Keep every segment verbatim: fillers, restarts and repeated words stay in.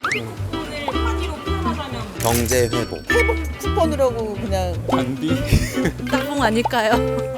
오늘 한마디로 표현하자면 경제 회복. 회복 쿠폰이라고 그냥 단비. 짝꿍 아닐까요?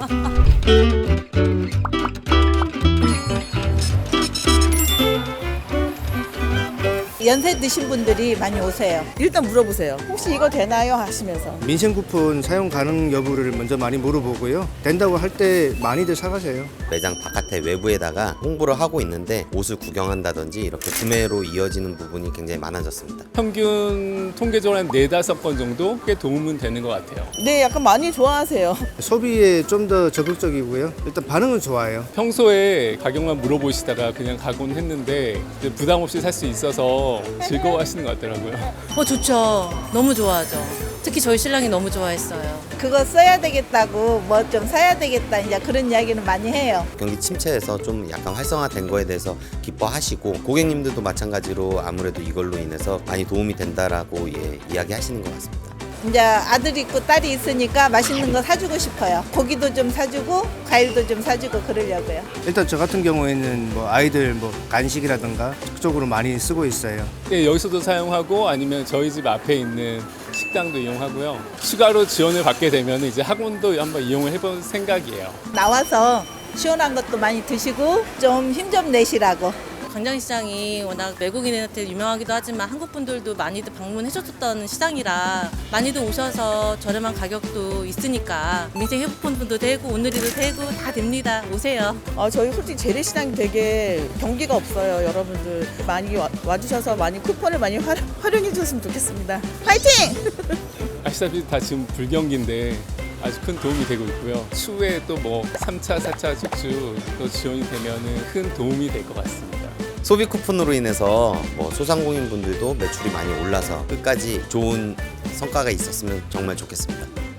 연세 드신 분들이 많이 오세요. 일단 물어보세요. 혹시 이거 되나요? 하시면서. 민생 쿠폰 사용 가능 여부를 먼저 많이 물어보고요. 된다고 할 때 많이들 사가세요. 매장 바깥에 외부에다가 홍보를 하고 있는데 옷을 구경한다든지 이렇게 구매로 이어지는 부분이 굉장히 많아졌습니다. 평균 통계적으로 한 네다섯 건 정도 꽤 도움은 되는 것 같아요. 네, 약간 많이 좋아하세요. 소비에 좀 더 적극적이고요. 일단 반응은 좋아요. 평소에 가격만 물어보시다가 그냥 가곤 했는데 이제 부담 없이 살 수 있어서 즐거워하시는 것 같더라고요. 어 좋죠. 너무 좋아하죠. 특히 저희 신랑이 너무 좋아했어요. 그거 써야 되겠다고 뭐 좀 사야 되겠다 이제 그런 이야기는 많이 해요. 경기 침체에서 좀 약간 활성화된 거에 대해서 기뻐하시고 고객님들도 마찬가지로 아무래도 이걸로 인해서 많이 도움이 된다라고 예, 이야기하시는 것 같습니다. 이제 아들 있고 딸이 있으니까 맛있는 거 사주고 싶어요. 고기도 좀 사주고 과일도 좀 사주고 그러려고요. 일단 저 같은 경우에는 뭐 아이들 뭐 간식이라든가 그쪽으로 많이 쓰고 있어요. 네, 여기서도 사용하고 아니면 저희 집 앞에 있는 식당도 이용하고요. 추가로 지원을 받게 되면 이제 학원도 한번 이용을 해볼 생각이에요. 나와서 시원한 것도 많이 드시고 좀 힘 좀 내시라고. 광장시장이 워낙 외국인한테 유명하기도 하지만 한국 분들도 많이들 방문해줬던 시장이라 많이들 오셔서 저렴한 가격도 있으니까 민생 회복폰도 되고 오늘이도 되고 다 됩니다. 오세요. 아, 저희 솔직히 재래시장이 되게 경기가 없어요. 여러분들 많이 와, 와주셔서 많이 쿠폰을 많이 활, 활용해 주셨으면 좋겠습니다. 화이팅! 아시다시피 다 지금 불경기인데 아주 큰 도움이 되고 있고요. 추후에 또 뭐 삼 차, 사 차 쭉쭉 또 지원이 되면은 큰 도움이 될 것 같습니다. 소비 쿠폰으로 인해서 뭐 소상공인 분들도 매출이 많이 올라서 끝까지 좋은 성과가 있었으면 정말 좋겠습니다.